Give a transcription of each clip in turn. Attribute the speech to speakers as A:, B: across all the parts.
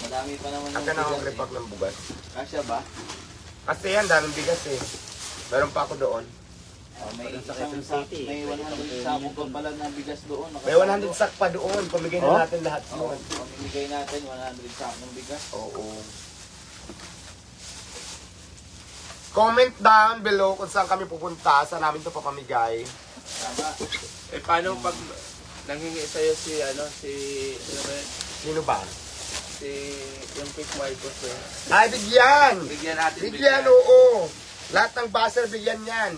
A: Madami pa naman
B: Aka na akong repack ng bugas.
A: Kasya ba?
B: Kasi yan, daming bigas eh. Meron pa ako doon.
A: May isang sack, may 100 sako pa pala na bigas doon.
B: May 100 sack pa doon. Pamigay na natin lahat
A: Oo,
B: yun.
A: pamimigay natin 100 sack ng bigas.
B: Oo. Comment down below kung saan kami pupunta. Saan namin ito papamigay.
A: Tama.
C: Eh, paano pag nanghingi sa'yo si, ano ba yun?
B: Sino ba?
C: Si, yung Quick Marcos eh.
B: Ay, bigyan!
C: Bigyan natin.
B: Bigyan, oo. Lahat ng buzzer, bigyan yan.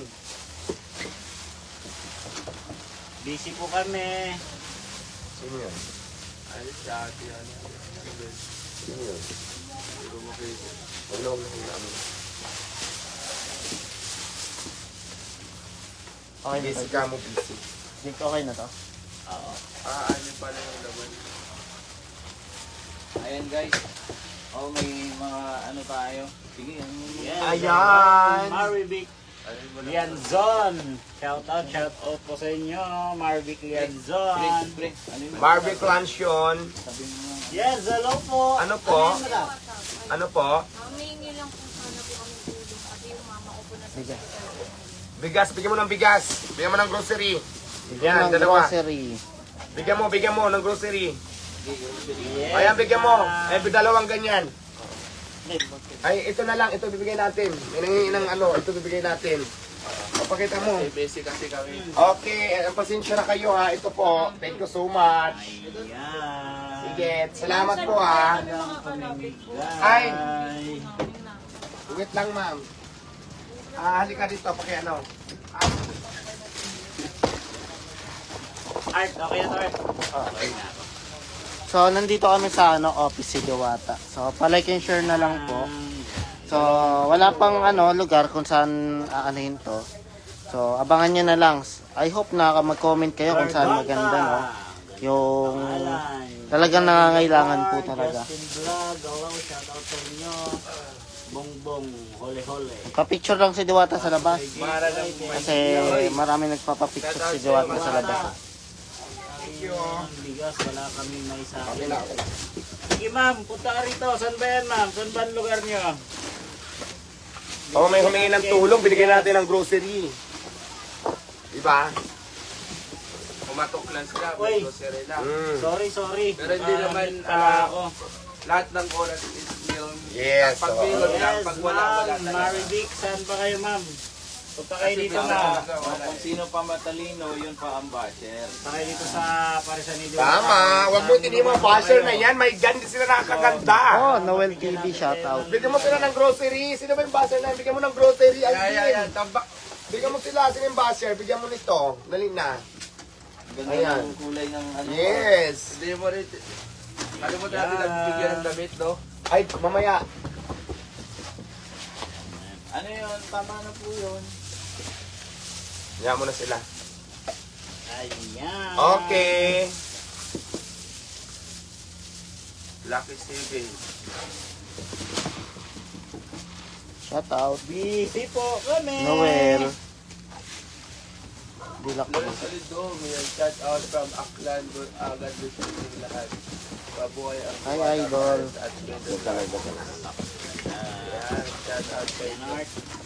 D: Busy po kami.
B: Sino yun?
C: Alis dati, ano.
B: Sino yun?
C: Hindi ko makita.
B: Wala akong namin.
D: Okay na
B: Busy
D: to.
B: ka mo, busy.
D: Okay na to?
A: Oo.
C: Ano pala yung laban?
A: Ayan guys. Oh, may mga ano tayo. Sige,
D: Yes.
B: Ayan!
D: Marvic
C: Ano yung wala?
D: Lianzon. Shout out po sa inyo. Marvic Lianzon.
A: Pre, ano yung
B: Barbie Clansion.
A: sabi mo nga.
D: Yes, hello po.
B: Ano po?
D: Ano yun, madam?
B: Ano po?
E: Humingi lang kung ano po kami tulong kasi yung mama ko po na
D: Sige.
B: Bigas, bigyan mo ng bigas. Bigyan mo ng grocery.
D: Bigyan
B: Yan,
D: ng
B: dalawa.
D: grocery.
B: Bigyan mo ng grocery.
D: Yes.
B: Ayan, bigyan mo. Eh, dalawang ganyan.
D: Yes.
B: Ay, ito na lang. Ito bibigay natin. May nangingi ng ano. Ito bibigay natin. Papakita mo.
C: Eh, busy kasi kami.
B: Okay, pasensya na kayo ha. Ito po. Thank you so much.
D: Ayan.
B: Sige, salamat po ha. Ay. Wait lang ma'am. Halika dito. Ano.
D: Art, okay na to, Art. Okay na. So, nandito kami sa office si Diwata. So, palike and share na lang po. So, wala pang lugar kung saan aanahin to. So, abangan nyo na lang. I hope na mag-comment kayo kung saan maganda, no? Yung talagang nangangailangan po talaga.
F: Justin Vlog, hello, shout out sa inyo. Bongbong, hole-hole.
D: Pa-picture lang si Diwata sa labas.
C: Mara ng
D: Kasi marami nagpapapicture si Diwata sa labas.
B: Thank you.
F: Bigas, wala kami may sa
B: Okay
F: akin.
B: na ako.
F: Sige ma'am, punta ka rito. Saan ba yan ma'am? Saan ba ang lugar nyo?
B: Oh, may humingi ng tulong. Binigyan natin ng grocery. Diba?
C: Pumatok lang sila.
F: Uy.
C: May grocery lang.
F: Sorry.
C: Pero hindi naman,
F: pala ako.
C: Lahat ng oras is meal.
B: Yes.
C: Pag
B: So,
C: meal lang,
F: Yes,
C: pag wala
F: ma'am.
C: talaga.
F: Marivic, saan pa kayo ma'am? Punta kayo
C: Kasi
F: dito
C: wala
F: ma'am.
C: talaga, wala.
A: Kung sino pa matalino, yun pa ang basher.
F: Punta kayo dito sa Parisan ni Diwata.
B: tama. Huwag mo tindi mo basher na yan. May ganda sila nakakaganda.
D: Oh, Noel TV, shout out.
B: Bigyan mo sila ng grocery. Sino ba yung basher na yan? Bigyan mo ng grocery.
C: Yan.
B: Alvin.
C: Tambak.
B: Bigyan mo sila. Sino yung basher? Bigyan mo nito. Dali na.
A: Ganda
B: Ayan.
A: ng kulay ng ano.
B: Yes.
C: Hindi mo rin. Kalimutan natin nagbibigyan ng damit, no?
B: Ay, mamaya.
A: Ano yun? Tama na po yun.
B: Yan mo na sila.
F: Ayan.
B: Okay.
C: Lucky Steven.
D: Shout out.
F: Busy po kami.
D: Noel. Dilak ko.
C: Solid do. May shout out from Aklan. Agad gusto ng lahat. Babuhay ang
D: Hi,
C: Diwata,
D: idol.
C: Mars at Pedro. Yan. Shout out kay Nart.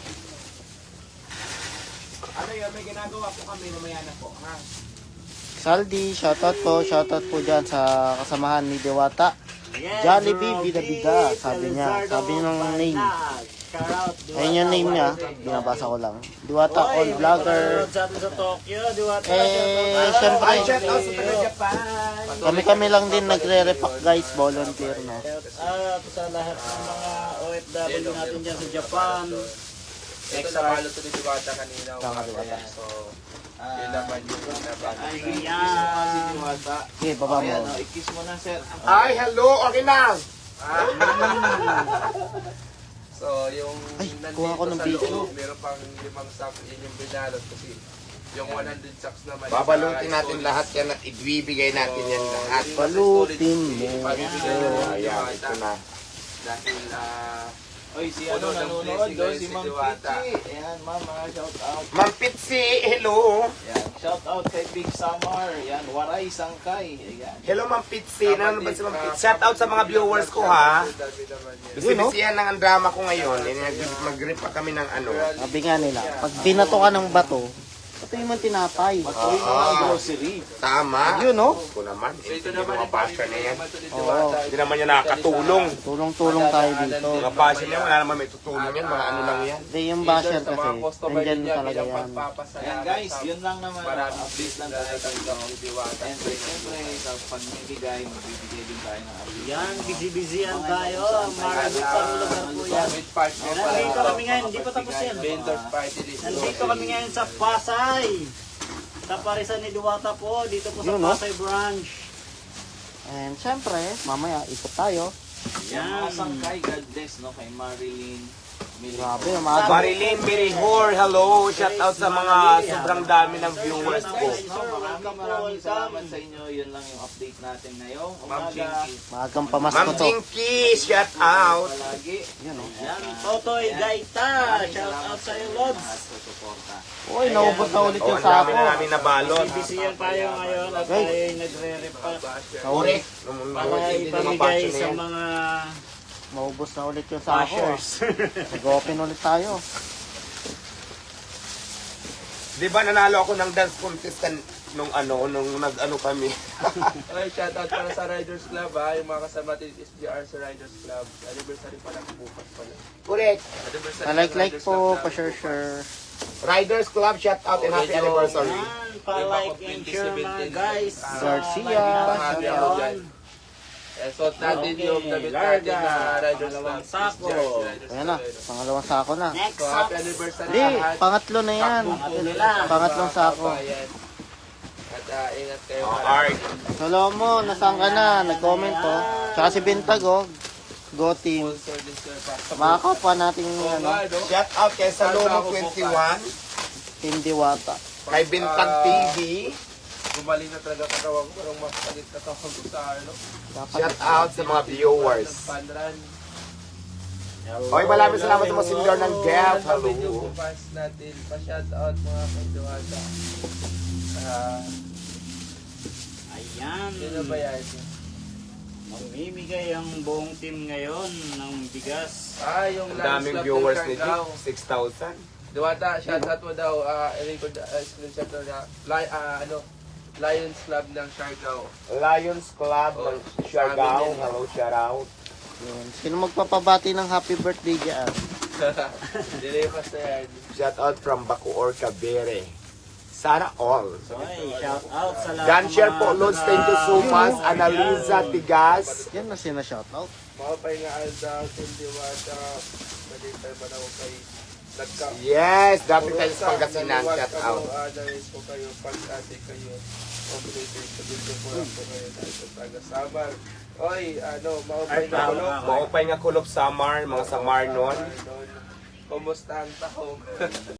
B: Ano yun? May ginagawa po kami. Mamaya na po. Ha?
D: Saldi, shout out po. Shout out po dyan sa kasamahan ni Diwata.
F: Yes,
D: Jollibee,
F: Robbie,
D: bida-bida, sabi niya.
F: Felizardo,
D: Sabi ng name.
F: Balag. Shout out, Diwata.
D: Ayun yung name niya. Binabasa ko lang. Diwata,
F: Oy,
D: all vlogger.
F: may sa atin sa Tokyo, Diwata.
D: Syempre.
B: Ay, shout out sa taga Japan.
D: Kami lang din nagre-repack guys, volunteer no.
F: Shout out sa lahat ng mga OFW natin dyan sa Japan.
C: Ito na palo to ni Diwata kanina.
D: Tama,
C: umaga.
D: Diwata.
C: So, yun naman yung nabalo.
A: Si
F: Ayan.
A: Diwata.
D: Okay, baba
A: Ayan,
D: mo.
A: i-kiss mo na, sir.
B: Ay, hello. Okay na.
C: So, yung
D: Ay,
C: nandito
D: kuha ko ng
C: sa
D: video.
C: loob, meron pang 5 sacks, yun yung binalot kasi yung 100 sacks naman.
B: Babalutin natin lahat yan at ibibigay natin yan lahat.
D: Balutin mo.
C: Pabibigay na
B: Oh,
C: ng
B: ayan,
C: Diwata.
B: ito na.
C: Dahil
A: Oy, si
C: Puno
A: ano
C: ng
A: nanonood
C: blessing
A: doon,
C: ngayon
A: si
C: si
A: Ma'am
C: Diwata.
A: Pichi. Ayan, mama, shout out.
B: Ma'am Pitsi, hello.
A: Yan, shout out kay Big Samar. Yan, Waray Sangkay. Ayan.
B: Hello Ma'am Pitsi, nanonood ba si Ma'am Pitsi? Shout out sa mga viewers ko ha. Bisi-bisihan ng ang drama ko ngayon. Mag-grip pa kami ng ano.
D: Sabi nga nila, pag binato ka ng bato, patuloy mo tinapay.
A: Patuloy mo ang grocery.
B: Tama.
D: Yun, no?
B: Ko naman.
C: So ito
B: Hindi
C: naman
B: mga passion na yan.
D: Oo.
B: Hindi naman yan nakakatulong.
D: Tulong-tulong tayo dito.
B: Mga passion yan, wala naman may tutulong yan. Mga ano lang yan.
D: Hindi yung basher kasi, nandyan talaga yan.
A: Ayan guys, yun lang naman.
C: Maraming
A: Update lang tayo kay Diwata. And siyempre, sa pagbibigay, magbibigay din tayo ng update.
F: Yan, busy-busyan tayo. Marami pang lugar po yan. Nandito kami ngayon, hindi pa tapos yan.
C: Vendors party list.
F: Nandito kami ngayon sa Pasay. Sa Parisan ni Diwata po, dito po sa
D: Yun, no?
F: Pasay branch.
D: And syempre, mamaya ikot tayo.
A: Yan, mga sangkay, God bless, no? Kay Marilyn.
D: Grabe, umaga.
B: Marilyn Mirihor, hello. Shout out sa mga sobrang dami ng viewers ko.
A: Maraming salamat sa inyo. Yun lang yung update natin ngayong umaga.
D: Maagang pamasko
B: Ma'am
D: to.
B: Jinky, shout out.
A: Palagi.
D: Yan, oh.
F: Yan, Totoy Gaita. Shout out sa iyo, Lods.
A: At sa suporta.
D: Uy, naubos na ulit
B: Oh,
D: yung
B: ang dami
D: sako.
B: na namin nabalot.
F: Busy-busyan tayo ngayon at
D: Guys.
F: tayo nagre-repack.
B: Correct.
F: Para ipamigay sa mga
D: Maubos na ulit yung sako.
F: bashers.
D: Nag-open ulit tayo.
B: Di ba nanalo ako ng dance contest nung nag-ano kami.
C: Okay, shoutout para sa Riders Club ha. Yung mga kasama natin SGR sa Riders Club. Anniversary pala bukas pala.
B: Correct.
C: Anniversary ng
D: Pa-like
C: Riders
D: po,
C: Club namin
D: pa-share.
B: Riders Club, shout out and happy anniversary.
F: Yan, pa-like and share mga guys.
D: Garcia,
C: shout out. Suot natin
F: Okay,
C: yung damit natin na
F: Larga,
C: Riders
F: pangalawang
C: Club.
F: sako.
C: SGR sa Riders
D: Ayan na,
C: Club.
D: pangalawang sako na.
F: Next
C: So,
F: up,
C: happy anniversary
D: Hindi,
C: lahat.
D: pangatlo na yan. Pangatlong sako.
C: Ayan. At ingat kayo.
B: Oh, Art.
D: Salomo, nasaan ka na? Nag-comment po. Tsaka si Bintag, oh. Go team.
C: Sponsor this year pa.
D: Mga kapwa nating
C: Oo
D: ano,
C: nga, no?
B: Shout out kay Salomo 21,
D: Team Diwata.
B: kay Bintag TV.
C: Gumaling na talaga katawan ko. Parang mapalit na katawan ko sa ano.
B: Shout out sa mga viewers.
C: Panran.
B: Okay, maraming salamat sa mga senior ng Gap.
C: Hello. Video
B: Hello.
C: ko fans natin. Pa-shout out mga kaiduwata.
F: ayan.
C: Sino ba yan?
F: Mamimigay ang buong team ngayon ng bigas.
C: Yung
B: Ang
C: Lions
B: daming
C: Club
B: viewers
C: ng
B: ni
C: Siargao.
B: Jake, 6,000.
C: Diwata, shout out mo daw. Record screenshot na Lions Club ng Siargao.
B: Lions Club ng Siargao. Hello, shout out.
D: Yun. Sino magpapabati ng happy birthday dyan?
C: Dilipas na yan.
B: Shout out from Bacoor, Cavite. Sana all.
F: Okay, shout out sa lahat.
B: Ganshare
F: ng
B: po,
F: mga
B: Lods. Thank you so much.
F: taga-
B: Annalisa Tigas.
D: Yan na sina-shoutout.
C: Makapay nga daw kung Diwata. Pwede tayo ba na kay nagka.
B: Yes, dapat tayo sa Pangasinan. Shout out.
C: Narinig ko kayo pag-ate kayo. Operator sa dito po lang po kayo dahil sa taga-Samar. Oy, maupay na kulog.
B: Maupay nga kulop Samar, mga Samar nun.
C: Kumusta ang tahong?